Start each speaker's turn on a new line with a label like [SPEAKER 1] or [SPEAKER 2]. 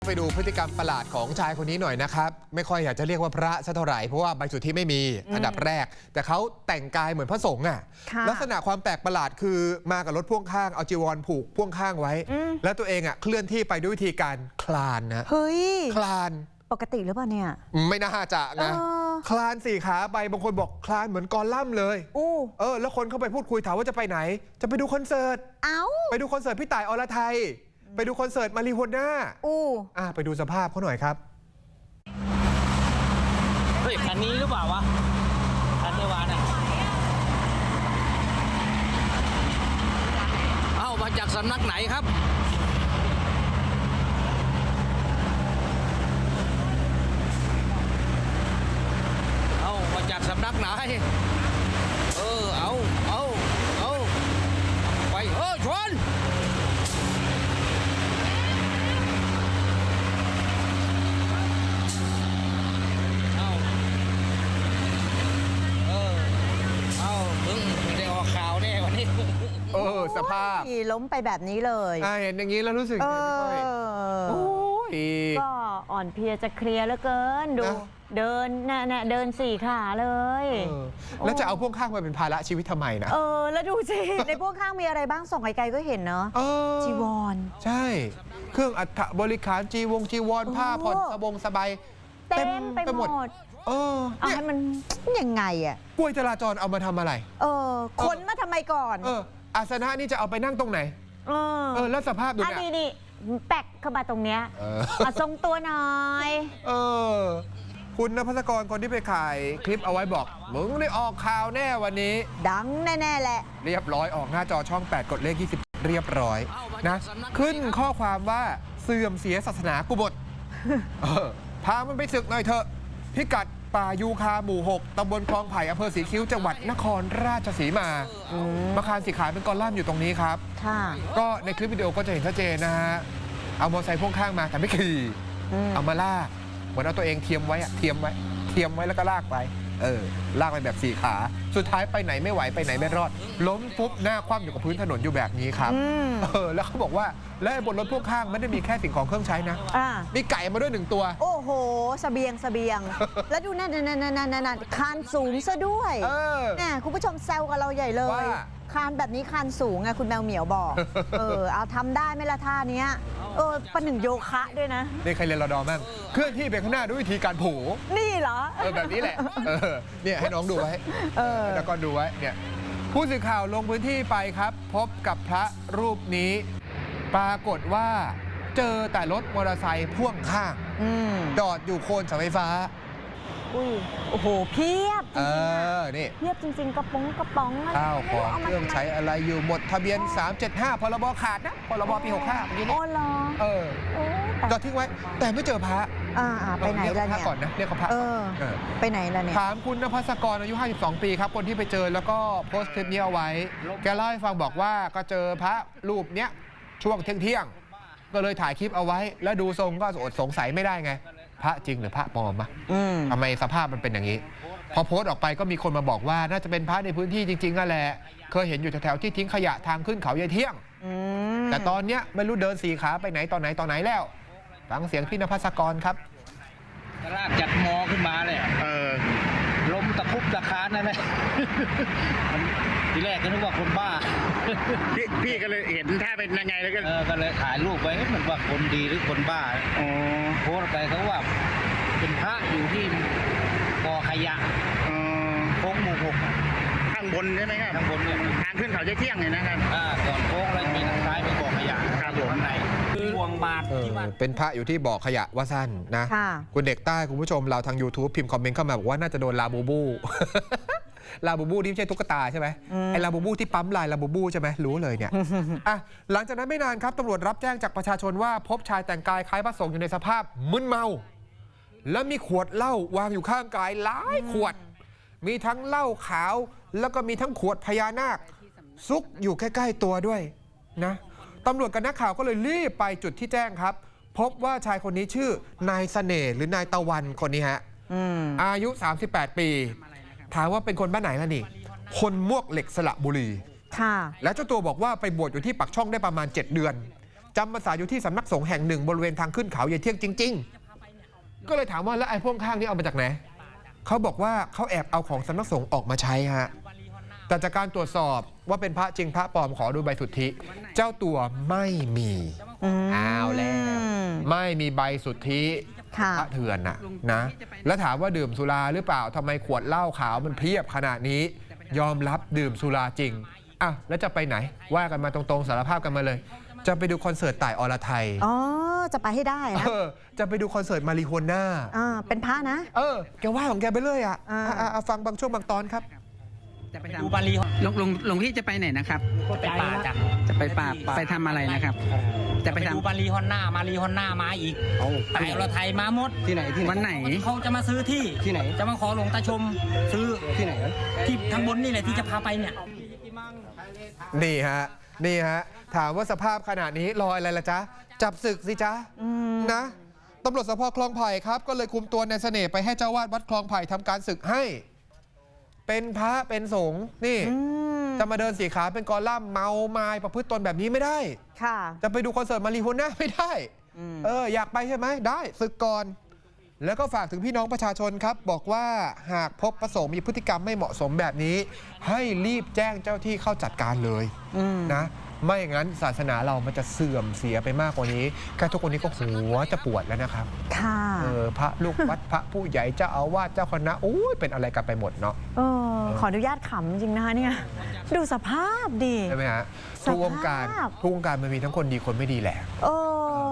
[SPEAKER 1] ไปดูพฤติกรรมประหลาดของชายคนนี้หน่อยนะครับไม่ค่อยอยากจะเรียกว่าพระสักเท่าไหร่เพราะว่าใบสุทธิไม่มีอันดับแรกแต่เขาแต่งกายเหมือนพระสงฆ์อ่ะลักษณะความแปลกประหลาดคือมากับรถพ่วงข้างเอาจีวรผูกพ่วงข้างไว้แล้วตัวเองอ่ะเคลื่อนที่ไปด้วยวิธีการคลานนะ
[SPEAKER 2] เฮ้ย
[SPEAKER 1] คลาน
[SPEAKER 2] ปกติหรือเปล่าเนี่ย
[SPEAKER 1] ไม่น่าจะนะคลานสี่ขาไปบางคนบอกคลานเหมือนกอลัมน์เลยแล้วคนเข้าไปพูดคุยถามว่าจะไปไหนจะไปดูคอนเสิร์ตไปดูคอนเสิร์ตพี่ต่ายอรไทยไปดูคอนเสิร์ตมาริโฮน่าไปดูสภาพเขาหน่อยครับ
[SPEAKER 3] เฮ้ยคันนี้หรือเปล่าวะคันเทวาน่ะเอ้ามาจากสำนักไหนครับเอ้ามาจากสำนักไหนเอาไปชน
[SPEAKER 1] สภาพ
[SPEAKER 2] ล้มไปแบบนี้เลย
[SPEAKER 1] เห็นอย่างนี้แล้วรู้สึกยังไงพี่ก้อย
[SPEAKER 2] ก็อ่อนเพลียจะเคลียร์เหลือเกินดูเดินเดินสี่ขาเลย
[SPEAKER 1] แล้วจะเอาพ่วงข้างมาเป็นภาระชีวิตทำไมนะ
[SPEAKER 2] แล้วดูสิ ในพ่วงข้างมีอะไรบ้างส่องไกลๆก็เห็นเนาะจีวร
[SPEAKER 1] ใช่เครื่องอัฐบริขารจีวรผ้าผ่อนสบาย
[SPEAKER 2] เต็มไปหมดเอาให้มันยังไงอ่ะ
[SPEAKER 1] กล้วยจราจรเอามาทำอะไร
[SPEAKER 2] ขนมาทำไมก่อน
[SPEAKER 1] อาสนะนี่จะเอาไปนั่งตรงไหนแล้วสภาพดูเนี่ย
[SPEAKER 2] นี่แปกเข้ามาตรงเนี้ยมาทรงตัวหน่อย
[SPEAKER 1] คุณณภัสกรคนที่ไปขายคลิปเอาไว้บอกมึงได้ออกข่าวแน่วันนี้
[SPEAKER 2] ดังแน่ๆแหละ
[SPEAKER 1] เรียบร้อยออกหน้าจอช่อง8กดเลข20เรียบร้อยนะขึ้นข้อความว่าเสื่อมเสียศาสนากุบฏพามันไปศึกหน่อยเถอะพิกัดป่ายูคาหมู่ 6 ตำบลคลองไผ่อำเภอศรีคิ้วจังหวัดนครราชสีมามาคารสีขายเป็นกอลัมน์อยู่ตรงนี้ครับก็ในคลิปวิดีโอก็จะเห็นชัดเจนนะฮะเอามอเตอร์ไซค์พ่วงข้างมาแต่ไม่ขี่เอามาลากเหมือนเอาตัวเองเทียมไว้แล้วก็ลากไปลากไปแบบ4ขาสุดท้ายไปไหนไม่ไหวไปไหนไม่รอดล้มปุ๊บหน้าคว่ำอยู่กับพื้นถนนอยู่แบบนี้ครับแล้วเขาบอกว่าและบนรถพ่วงข้างไม่ได้มีแค่สิ่งของเครื่องใช้นะมีไก่มาด้วย1ตัว
[SPEAKER 2] โอ้โหเสบียงแล้วดูนั่นคานสูงซะด้วยเนี่ยคุณผู้ชมแซวกับเราใหญ่เลยคานแบบนี้คานสูงไงคุณแมวเหมียวบอกเอาทำได้ไหมล่ะท่านี้ประหนึ่งโยคะด้วยนะ
[SPEAKER 1] นี่ใครเรียนรอดอมั่งเคลื่อนที่ไปข้างหน้าด้วยวิธีการโผ
[SPEAKER 2] นี่เหรอ
[SPEAKER 1] แบบนี้แหละเนี่ยให้น้องดูไว้แล้วก็ดูไว้เนี่ยผู้สื่อข่าวลงพื้นที่ไปครับพบกับพระรูปนี้ปรากฏว่าเจอแต่รถมอเตอร์ไซค์พ่วงข้างจอดอยู่โคนเสาไฟฟ้า
[SPEAKER 2] โอ้โหเพียบ
[SPEAKER 1] นี่
[SPEAKER 2] เพียบจริงๆกระป๋อง
[SPEAKER 1] ข้าวของเครื่องใช้อะไรอยู่หมดทะเบียน375พรบขาดนะพรบปี65เมื่อกี้นี้จอดทิ้งไว้แต่ไม่เจอพระ
[SPEAKER 2] ไปไหนล่ะเนี่ย
[SPEAKER 1] ก่อนนะเรียกเขาพระ
[SPEAKER 2] ไปไหนล่ะเนี่ย
[SPEAKER 1] ถามคุณณภัสกรอายุ52ปีครับคนที่ไปเจอแล้วก็โพสต์คลิปนี้เอาไว้แกเล่าให้ฟังบอกว่าก็เจอพระรูปเนี้ยช่วงเที่ยงก็เลยถ่ายคลิปเอาไว้แล้วดูทรงก็อดสงสัยไม่ได้ไงพระจริงหรือพระปลอมทำไมสภาพมันเป็นอย่างนี้พอโพสต์ออกไปก็มีคนมาบอกว่าน่าจะเป็นพระในพื้นที่จริงๆนั่นแหละเคยเห็นอยู่แถวๆที่ทิ้งขยะทางขึ้นเขายายเที่ยงแต่ตอนเนี้ยไม่รู้เดิน4ขาไปไหนตอนไหนแล้วฟังเสียงพี่ณภัสกรครับ
[SPEAKER 3] ลากจากมอขึ้นมาเลยล้มตะคุบตะคานนั่นแหละทีแรกก็นึกว่าคนบ้า
[SPEAKER 4] พี่ก็เลยเห็นถ้าเป็นยังไงแล้ว
[SPEAKER 3] ก็เลยถ่ายรูปไว้มันว่าคนดีหรือคนบ้าโพสต์ไปเขาว่าเป็นพระอยู่ที่กอขยะโค้งหมู่ 6
[SPEAKER 4] ข้างบนใช่ไหมครับ
[SPEAKER 3] ข้างบนเนี่ย
[SPEAKER 4] ทางขึ้นเขาจะเที่ยงเลยนะครับ
[SPEAKER 3] ก่อนโค้งแล้วมีทางซ้ายเป็นกอขยะอยู่ข้างในห่วงบาท
[SPEAKER 1] เป็นพระอยู่ที่บ่อขยะว่าสั้นนะคุณเด็กใต้คุณผู้ชมเราทาง YouTube พิมพ์คอมเมนต์เข้ามาบอกว่าน่าจะโดนลาบูบูลาบูบูที่ไม่ใช่ตุ๊กตาใช่ไหมไอ้ลาบูบูที่ปั๊มลายลาบูบูใช่ไหมรู้เลยเนี่ยหลังจากนั้นไม่นานครับตำรวจรับแจ้งจากประชาชนว่าพบชายแต่งกายคล้ายพระสงฆ์อยู่ในสภาพมึนเมาแล้วมีขวดเหล้าวางอยู่ข้างกายหลายขวดมีทั้งเหล้าขาวแล้วก็มีทั้งขวดพญานาคซุกอยู่ใกล้ๆตัวด้วยนะตำรวจกับนักข่าวก็เลยรีบไปจุดที่แจ้งครับพบว่าชายคนนี้ชื่อนายเสน่ห์หรือนายตะวันคนนี้ฮะอายุ38ปีถามว่าเป็นคนบ้านไหนล่ะนี่คนมวกเหล็กสระบุรีและเจ้าตัวบอกว่าไปบวชอยู่ที่ปักช่องได้ประมาณ7 เดือนจำพรรษาอยู่ที่สำนักสงฆ์แห่งหนึ่งบริเวณทางขึ้นเขาเยายเที่ยงจริง ๆ ก็เลยถามว่าแล้วไอ้พ่วงข้างนี่เอามาจากไหนเขาบอกว่าเขาแอบเอาของสำนักสงฆ์ออกมาใช้ฮะแต่จากการตรวจสอบว่าเป็นพระจริงพระปลอมขอดูใบสุทธิเจ้าตัวไม่มีเอาแล้วไม่มีใบสุทธิพระเถื่อนนะแล้วถามว่าดื่มสุราหรือเปล่าทำไมขวดเหล้าขาวมันเพียบขนาดนี้ยอมรับดื่มสุราจริงอ่ะแล้วจะไปไหนว่ากันมาตรงๆสารภาพกันมาเลยจะไปดูคอนเสิร์ตต่ายอรไทย
[SPEAKER 2] อ๋อจะไปให้ได้นะ
[SPEAKER 1] จะไปดูคอนเสิร์ตมาริโฮน่า
[SPEAKER 2] เป็นพระนะ
[SPEAKER 1] แกว่าของแกไปเลยฟังบางช่วงบางตอนครับ
[SPEAKER 5] จะไปดูบาลีหลวงพี่จะไปไหนนะครับ
[SPEAKER 3] ไปป่าจ้ะ
[SPEAKER 5] จะไปป่าไปทำอะไรนะครับจะไป
[SPEAKER 3] ดูบาลีฮอนหน้ามาอีกไปเราไทยมาหมด
[SPEAKER 5] ที่ไหนวันไหน
[SPEAKER 3] เขาจะมาซื้อที่ไหนจะมาขอหลวงตาชมซื้อที่ไหนที่ทางบนนี่แหละที่จะพาไปเนี่ย
[SPEAKER 1] นี่ฮะถามว่าสภาพขนาดนี้รออะไรล่ะจ๊ะจับศึกสิจ๊ะนะตำรวจสภ.คลองไผ่ครับก็เลยคุมตัวนายเสน่ห์ไปให้เจ้าวาดวัดคลองไผ่ทำการศึกให้เป็นพระเป็นสงฆ์นี่จะมาเดินสีขาเป็นกอลัมน์เมาไม้ประพฤติตนแบบนี้ไม่ได้
[SPEAKER 2] ค่ะ
[SPEAKER 1] จะไปดูคอนเสิร์ตมาริโฮน่าไม่ได้อยากไปใช่ไหมได้ศึกก่อนแล้วก็ฝากถึงพี่น้องประชาชนครับบอกว่าหากพบพระสงฆ์มีพฤติกรรมไม่เหมาะสมแบบนี้ให้รีบแจ้งเจ้าที่เข้าจัดการเลยนะไม่อย่างนั้นศาสนาเรามันจะเสื่อมเสียไปมากกว่านี้แค่ทุกคนนี้ก็หัวจะปวดแล้วนะครับ
[SPEAKER 2] ค่ะ
[SPEAKER 1] พระลูกวัดพระผู้ใหญ่เจ้าอาวาสเจ้าคณะเป็นอะไรกันไปหมดเนาะ
[SPEAKER 2] ขออนุญาตขำจริงนะคะเนี่ยดูสภาพดี
[SPEAKER 1] ใช่ไหมฮะทุกวงการมันมีทั้งคนดีคนไม่ดีแหละ